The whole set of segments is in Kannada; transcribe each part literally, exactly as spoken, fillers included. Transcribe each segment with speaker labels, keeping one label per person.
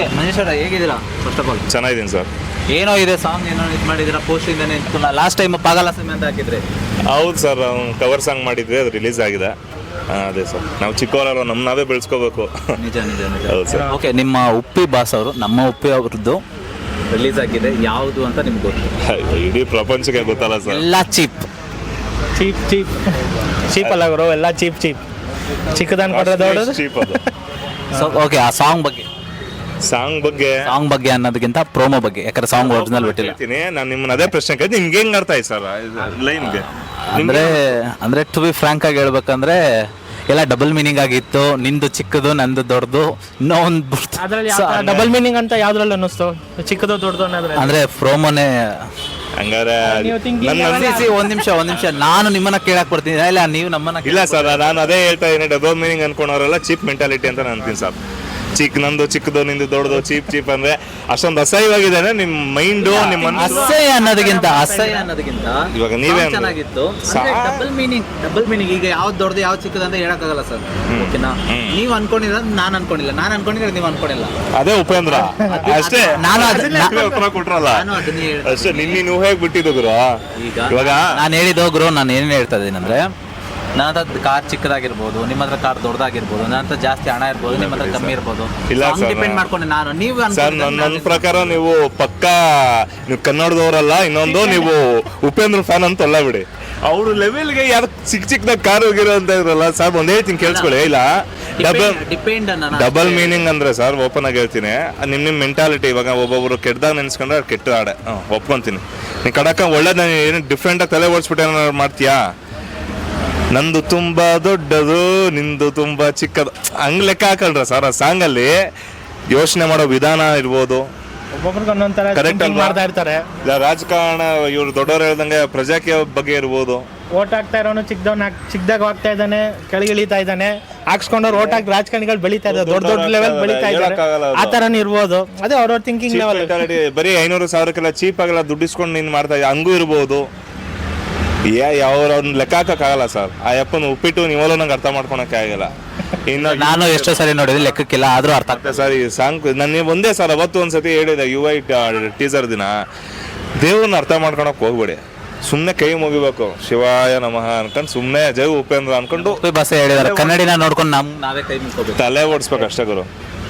Speaker 1: ಓಕೆ ಮಹೇಶ್ ಅವರ ಹೇಗಿದ್ದೀರಾ? ಫಸ್ಟ್ ಆಫ್ ಆಲ್
Speaker 2: ಚೆನ್ನಾಗಿದ್ದೀನಿ ಸರ್.
Speaker 1: ಏನೋ ಇದೆ ಸಾಂಗ್ ಏನೋ ಇದು ಮಾಡಿದ್ದೀರಾ ಪೋಸ್ಟಿಂದಾನೆ ಲಾಸ್ಟ್ ಟೈಮ್ ಪಾಗಲ ಸಿನಿಮಾ ಅಂತ ಹಾಕಿದ್ರೆ.
Speaker 2: ಹೌದು ಸರ್, ಕವರ್ ಸಾಂಗ್ ಮಾಡಿದ್ವಿ, ಅದು ರಿಲೀಸ್ ಆಗಿದೆ. ಆ, ಅದೇ ಸರ್, ನಾವು ಚಿಕ್ಕವರಲ್ಲ, ನಮ್ಮ ನಾವೇ ಬೆಳೆಸ್ಕೋಬೇಕು.
Speaker 1: ನಿಜ ನಿಜ ನಿಜ
Speaker 2: ಹೌದು ಸರ್.
Speaker 1: ಓಕೆ, ನಿಮ್ಮ ಉಪ್ಪಿ ಬಾಸ್ ಅವರು ನಮ್ಮ ಉಪ್ಪಿ ಅವ್ರದ್ದು ರಿಲೀಸ್ ಆಗಿದೆ, ಯಾವುದು ಅಂತ ನಿಮ್ಗೆ ಗೊತ್ತು?
Speaker 2: ಇಡೀ ಪ್ರಪಂಚಕ್ಕೆ ಗೊತ್ತಲ್ಲ ಸರ್.
Speaker 1: ಎಲ್ಲ ಚೀಪ್
Speaker 3: ಚೀಪ್ ಚೀಪ್ ಚೀಪ್ ಅಲ್ಲ ಗುರು, ಎಲ್ಲ ಚೀಪ್ ಚೀಪ್ ಚಿಕ್ಕದನ್ ಕೊಟ್ರೆ ದೊಡ್ಡದು.
Speaker 2: ಚೀಪ್ ಅದು.
Speaker 1: ಸೊ ಓಕೆ, ಆ ಸಾಂಗ್ ಬಗ್ಗೆ
Speaker 2: ಸಾಂಗ್ ಬಗ್ಗೆ
Speaker 1: ಸಾಂಗ್ ಬಗ್ಗೆ ಅನ್ನೋದಕ್ಕಿಂತ ಪ್ರೋಮೋ ಬಗ್ಗೆ, ಯಾಕಂದ್ರೆ ಸಾಂಗ್ ಒರಿಜಿನಲ್ ಬಿಟ್ಟಿಲ್ಲ.
Speaker 2: ಹೇಳ್ತೀನಿ ನಾನು ನಿಮ್ಮನ್ನ ಅದೇ ಪ್ರಶ್ನೆ ಕೇಳಿ, ನಿಮ್ಗೆ ಹೆಂಗ್ ಅರ್ಥ ಆಯ್ತು ಸರ್ ಲೈನ್ಗೆ?
Speaker 1: ಅಂದ್ರೆ ಅಂದ್ರೆ ಟು ಬಿ ಫ್ರಾಂಕ್ ಆಗಿ ಹೇಳ್ಬೇಕಂದ್ರೆ ಎಲ್ಲ ಡಬಲ್ ಮೀನಿಂಗ್ ಆಗಿತ್ತು. ನಿಂದು ಚಿಕ್ಕದು ನಂದು ದೊಡ್ಡದು, ಇನ್ನೂ ಒಂದು
Speaker 3: ಅದ್ರಲ್ಲಿ ಡಬಲ್ ಮೀನಿಂಗ್ ಅಂತ ಯಾವ್ದ್ರಲ್ಲಿ ಅನ್ನಿಸ್ತು? ಚಿಕ್ಕದು ದೊಡ್ಡದು ಅನ್ನೋದ್ರೆ
Speaker 1: ಅಂದ್ರೆ ಪ್ರೋಮೋನೇ.
Speaker 2: ಹಂಗಾರೆ
Speaker 3: ನೀವು thinking
Speaker 2: ನನ್ನ
Speaker 3: level-
Speaker 1: ಸಿ, ಒಂದ್ ನಿಮಿಷ ಒಂದ್ ನಿಮಿಷ ನಾನು ನಿಮ್ಮನ್ನ ಕೇಳಕ್ ಬರ್ತೀನಿ, ಇಲ್ಲ ನೀವು ನಮ್ಮನ್ನ
Speaker 2: ಇಲ್ಲ ಸರ್, ನಾನು ಅದೇ ಹೇಳ್ತಾ ಇದ್ದೀನಿ, ಡಬಲ್ ಮೀನಿಂಗ್ ಅನ್ಕೊಂಡವರೆಲ್ಲ ಚೀಪ್ ಮೆಂಟಾಲಿಟಿ ಅಂತ ನಾನು ಅಂತೀನಿ ಸರ್. ಚಿಕ್ಕ ನಂದು ಚಿಕ್ಕದು ನಿಂದು ದೊಡ್ಡದು, ಚೀಪ್ ಚೀಪ್ ಅಂದ್ರೆ ಅಷ್ಟೊಂದು ಅಸಹ್ಯವಾಗಿದೆ ನಿಮ್ಮ ಮೈಂಡು, ನಿಮ್ಮ ಮನಸ್ಸು.
Speaker 1: ಅಸಹ್ಯ ಅನ್ನೋದಕ್ಕಿಂತ ಅಸಹ್ಯ ಅನ್ನೋದಕ್ಕಿಂತ
Speaker 2: ಇವಾಗ ನೀವೇ
Speaker 1: song ಚೆನ್ನಾಗಿತ್ತು.
Speaker 2: ಸಾ-
Speaker 1: ಡಬಲ್ ಮೀನಿಂಗ್ ಡಬಲ್ ಮೀನಿಂಗ್ ಈಗ ಯಾವ್ದು ದೊಡ್ಡದು ಯಾವ್ದು ಚಿಕ್ಕದು ಅಂತ ಹೇಳಕ್ಕಾಗಲ್ಲ ಸರ್. ಓಕೆನಾ? ನೀವು ಅನ್ಕೊಂಡಿಲ್ಲ, ನಾನು ಅನ್ಕೊಂಡಿಲ್ಲ, ನಾನು ಅನ್ಕೊಂಡಿದ್ರೆ ನೀವು ಅನ್ಕೊಂಡಿಲ್ಲ.
Speaker 2: ಅದೇ ಉಪೇಂದ್ರ ಅಷ್ಟೇ.
Speaker 1: ನಾನು ಅದನ್ನ-
Speaker 2: ನೀವೇ ಉತ್ತರ ಕೊಟ್ರಲ್ಲ
Speaker 1: ನಾನು ಅದನ್ನೇ ಹೇಳ್ದೆ.
Speaker 2: ಅಷ್ಟೇ. ನಿನ್ನೆ ನೀವು ಹೇಗೆ ಬಿಟ್ಟಿದ್ದು ಗುರು?
Speaker 1: ಈಗ
Speaker 2: ಇವಾಗ
Speaker 1: ನಾನು ಹೇಳಿದ ಗುರು, ನಾನು ಏನೇನು ಹೇಳ್ತಾ ಇದ್ದೀನಿ ಅಂದ್ರೆ, ನನ್ನ ಹತ್ರ ಕಾರ್ ಚಿಕ್ಕದಾಗಿರ್ಬೋದು, ನಿಮ್ಮ ಹತ್ರ ಕಾರ್ ದೊಡ್ಡದಾಗಿರ್ಬೋದು, ನನ್ನ ಹತ್ರ ಜಾಸ್ತಿ ಹಣ ಇರ್ಬೋದು, ನಿಮ್ಮ ಹತ್ರ ಕಮ್ಮಿ ಇರ್ಬೋದು.
Speaker 2: ಇಲ್ಲ ಸರ್,
Speaker 1: ಡಿಪೆಂಡ್ ಮಾಡ್ಕೊಂಡು ನಾನು ನೀವು
Speaker 2: ಸರ್
Speaker 1: ಅನ್ಕೊಂಡಿದ್ದು
Speaker 2: ನನ್ನ
Speaker 1: ನಾನು-
Speaker 2: ನನ್ನ ಪ್ರಕಾರ ನೀವು ಪಕ್ಕಾ ನೀವು ಕನ್ನಡದವರಲ್ಲ. ಇನ್ನೊಂದು, ನೀವು ಉಪೇಂದ್ರ ಫ್ಯಾನ್ ಅಂತ ಅಲ್ಲ ಬಿಡಿ. ಅವ್ರ ಲೆವೆಲ್ಗೆ ಯಾರು ಚಿಕ್ಕ ಚಿಕ್ಕದಾಗ ಕಾರ್ ಹೋಗಿರೋ ಅಂತ ಇದ್ರಲ್ಲ ಸರ್, ಒಂದ್ ಹೇಳ್ತೀನಿ ಕೇಳಿಸ್ಕೊಳ್ಳಿ. ಇಲ್ಲ, ಡಬಲ್
Speaker 1: ಡಿಪೆಂಡ್ ಅನ್ನ
Speaker 2: ಡಬಲ್ ಮೀನಿಂಗ್ ಅಂದ್ರೆ ಸರ್, ಓಪನ್ ಆಗಿ ಹೇಳ್ತೀನಿ, ನಿಮ್ ನಿಮ್ ಮೆಂಟಾಲಿಟಿ. ಇವಾಗ ಒಬ್ಬೊಬ್ರು ಕೆಟ್ಟದಾಗ ನೆನ್ಸ್ಕೊಂಡ್ರೆ ಅದು ಕೆಟ್ಟ ಆಡೆ, ಹ್ಮ್ ಒಪ್ಕೊಂತೀನಿ. ನೀ ಕಡಕ ಒಳ್ಳೇದ ಏನು ಡಿಫ್ರೆಂಟ್ ಆಗಿ ತಲೆ ಓಡಿಸ್ಬಿಟ್ಟು ಏನಾರು ಮಾಡ್ತೀಯಾ? ನಂದು ತುಂಬಾ ದೊಡ್ಡದು, ನಿಂದು ತುಂಬಾ ಚಿಕ್ಕದು, ಹಂಗ್ ಲೆಕ್ಕ ಹಾಕಲ್ರ ಸರ್. ಆ ಸಾಂಗ್ ಅಲ್ಲಿ ಯೋಚನೆ ಮಾಡೋ ವಿಧಾನ ಇರ್ಬೋದು,
Speaker 3: ಒಬ್ಬೊಬ್ರಿಗೆ ಒಂದೊಂಥರ
Speaker 2: Correct
Speaker 3: thinking
Speaker 2: ಅಲ್ವಾ?
Speaker 3: ಮಾಡ್ತಾ ಇರ್ತಾರೆ.
Speaker 2: ಇಲ್ಲ ರಾಜಕಾರಣ, ಇವ್ರು ದೊಡ್ಡವ್ರು ಹೇಳ್ದಂಗೆ ಪ್ರಜಾಕೀಯ ಬಗ್ಗೆ ಇರ್ಬೋದು.
Speaker 3: ಓಟ್ ಹಾಕ್ತಾ ಇರೋನು ಚಿಕ್ಕದವ್ನ ಚಿಕ್ಕದಾಗ ಹೋಗ್ತಾ ಇದ್ದಾನೆ, ಕೆಳಗಿಳಿತಾ ಇದ್ದಾನೆ. ಹಾಕ್ಸ್ಕೊಂಡವ್ರು ಓಟ್ ಹಾಕಿ ರಾಜಕಾರಣಿಗಳು ಬೆಳೀತಾ ಇದ್ದಾರೆ, ದೊಡ್ಡ ದೊಡ್ಡ ಲೆವೆಲ್ ಬೆಳೀತಾ ಇದ್ದಾರೆ.
Speaker 2: ಹೇಳಕ್ಕಾಗಲ್ಲ ಅದು.
Speaker 3: ಆ ಥರನೂ ಇರ್ಬೋದು. ಅದೇ ಅವ್ರವ್ರ ಥಿಂಕಿಂಗ್
Speaker 2: Cheap
Speaker 3: ಲೆವೆಲ್.
Speaker 2: mentality, ಬರೀ ಐನೂರು ಸಾವಿರಕ್ಕೆಲ್ಲ ಚೀಪ್ ಆಗಲ್ಲ ದುಡ್ಡಿಸ್ಕೊಂಡು ನೀನು ಮಾಡ್ತಾ ಇದ್ದ, ಹಂಗೂ ಇರ್ಬೋದು. ಯಾ ಯಾವ ಅವ್ರನ್ನ ಲೆಕ್ಕ ಹಾಕಕ್ಕಾಗಲ್ಲ ಸರ್. ಆ ಯಪ್ಪನ ಉಪ್ಪಿಟ್ಟು ನೀವಲ್ಲೂ ನಂಗೆ ಅರ್ಥ ಮಾಡ್ಕೊಳಕ್ಕೆ ಆಗಲ್ಲ. ಇನ್ನು
Speaker 1: ನಾನು ಎಷ್ಟೋ ಸರಿ ನೋಡಿದ್ರೆ ಲೆಕ್ಕಕ್ಕಿಲ್ಲ, ಆದ್ರೂ ಅರ್ಥ ಆಗ್ತದೆ.
Speaker 2: ಸರ್ ಈ ಸಾಂಗ್ ನಾನು ಒಂದೇ ಸರ್ ಅವತ್ತು ಒಂದ್ಸತಿ ಹೇಳಿದೆ, ಯು ಐ ಟೀಸರ್ ದಿನ, ದೇವ್ರನ್ನ ಅರ್ಥ ಮಾಡ್ಕೊಳಕ್ ಹೋಗ್ಬೇಡಿ, ಸುಮ್ಮನೆ ಕೈ ಮುಗಿಬೇಕು, ಶಿವಾಯ ನಮಃ ಅನ್ಕೊಂಡು ಸುಮ್ಮನೆ ಜೈ ಉಪೇಂದ್ರ ಅನ್ಕೊಂಡು
Speaker 1: ಉಪ್ಪಿ ಭಾಷೆ ಹೇಳಿದಾರೆ, ಕನ್ನಡಿನ ನೋಡ್ಕೊಂಡು ನಮ್ ನಾವೇ ಕೈ ಮುಗ್ಕೋಬೇಕು.
Speaker 2: ತಲೆ ಓಡಿಸ್ಬೇಕು ಅಷ್ಟೇ ಗುರು.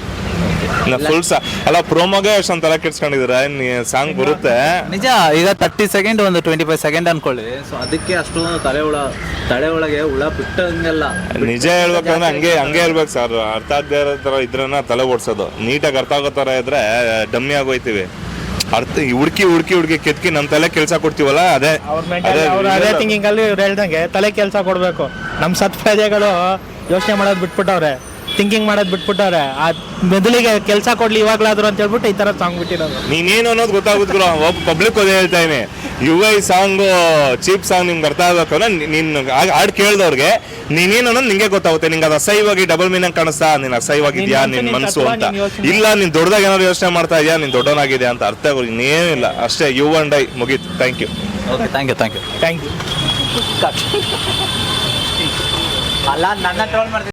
Speaker 2: ಫುಲ್ ಸಾ ಅಲ್ಲ, ಪ್ರೋಮೋಗೆ ಅಷ್ಟೊಂದು ತಲೆ ಕೆಡ್ಸ್ಕೊಂಡಿದ್ದೀರ, ಸಾಂಗ್ ಬರುತ್ತೆ
Speaker 1: ನಿಜ. ಈಗ ತರ್ಟಿ ಸೆಕೆಂಡ್ ಒಂದು ಟ್ವೆಂಟಿ ಫೈವ್ ಸೆಕೆಂಡ್ ಅನ್ಕೊಳ್ಳಿ, ಸೊ ಅದಕ್ಕೆ ಅಷ್ಟೊಂದು ತಲೆ ಹುಳ ತಲೆ ಒಳಗೆ ಹುಳ ಬಿಟ್ಟಂಗೆಲ್ಲ.
Speaker 2: ನಿಜ ಹೇಳ್ಬೇಕಂದ್ರೆ ಹಂಗೆ ಹಂಗೆ ಇರ್ಬೇಕು ಸರ್. ಅರ್ಥ ಆಗದೆ ಇರೋ ಥರ ಇದ್ರನ್ನ ತಲೆ ಓಡಿಸೋದು. ನೀಟಾಗಿ ಅರ್ಥ ಆಗೋ ಥರ ಇದ್ರೆ ಡಮ್ಮಿ ಆಗೋಯ್ತೀವಿ. ಅರ್ಥ ಹುಡುಕಿ ಹುಡುಕಿ ಹುಡುಕಿ ಕೆತ್ಕಿ ನಮ್ಮ ತಲೆ ಕೆಲಸ ಕೊಡ್ತೀವಲ್ಲ, ಅದೇ
Speaker 3: ಅವ್ರ ಮೆಂಟಾಲಿಟಿ, ಅವ್ರ ಅದೇ ಥಿಂಕಿಂಗ್ ಅಲ್ಲಿ ಇವ್ರು ಹೇಳ್ದಂಗೆ ತಲೆ ಕೆಲಸ ಕೊಡಬೇಕು. ನಮ್ಮ ಸತ್ ಪ್ರಜೆಗಳು ಯೋಚನೆ ಮಾಡೋದು ಬಿಟ್ಬಿಟ್ಟವ್ರೆ, ಥಿಂಕಿಂಗ್ ಮಾಡೋದು ಬಿಟ್ಬಿಟ್ಟವ್ರೆ. ಆ ಮೆದುಳಿಗೆ ಕೆಲಸ ಕೊಡ್ಲಿ ಇವಾಗ್ಲಾದ್ರು ಅಂತ ಹೇಳ್ಬಿಟ್ಟು ಈ ತರ ಸಾಂಗ್ ಬಿಟ್ಟಿರೋದು.
Speaker 2: ನೀನೇನು ಅನ್ನೋದು ಗೊತ್ತಾಗುತ್ತೆ ಗುರು. ಒಬ್ಬ ಪಬ್ಲಿಕ್ ಅದೇ ಹೇಳ್ತಾ ಇದೀನಿ, you I song cheap song ನಿಮ್ಗೆ ಅರ್ಥ ಆಗ್ಬೇಕು ಅಂದ್ರೆ ನೀನು ಹಾಡು ಕೇಳಿದವ್ರಿಗೆ ನೀನೇನು ಅನ್ನೋದು ನಿಂಗೆ ಗೊತ್ತಾಗುತ್ತೆ. ನಿಂಗೆ ಅದು ಅಸಹ್ಯವಾಗಿ ಡಬಲ್ ಮೀನಿಂಗ್ ಕಾಣಿಸ್ತಾ, ನೀನು ಅಸಹ್ಯವಾಗಿದ್ಯಾ ನಿನ್ ಮನಸ್ಸು ಅಂತ, ಇಲ್ಲ ನೀನ್ ದೊಡ್ಡದಾಗ ಏನಾದ್ರು ಯೋಚನೆ ಮಾಡ್ತಾ ಇದೆಯಾ, ನೀನ್ ದೊಡ್ಡವನಾಗಿದೆ ಅಂತ ಅರ್ಥ ಆಗೋದು ಇನ್ನೇನಿಲ್ಲ. ಅಷ್ಟೇ, ಯು ಅಂಡ್ ಐ ಮುಗೀತು. Thank you.
Speaker 1: Okay, thank you thank you
Speaker 3: thank you.
Speaker 1: ಅಲ್ಲ, ನನ್ನ ಟ್ರೋಲ್ ಮಾಡ್ತೀನಿ.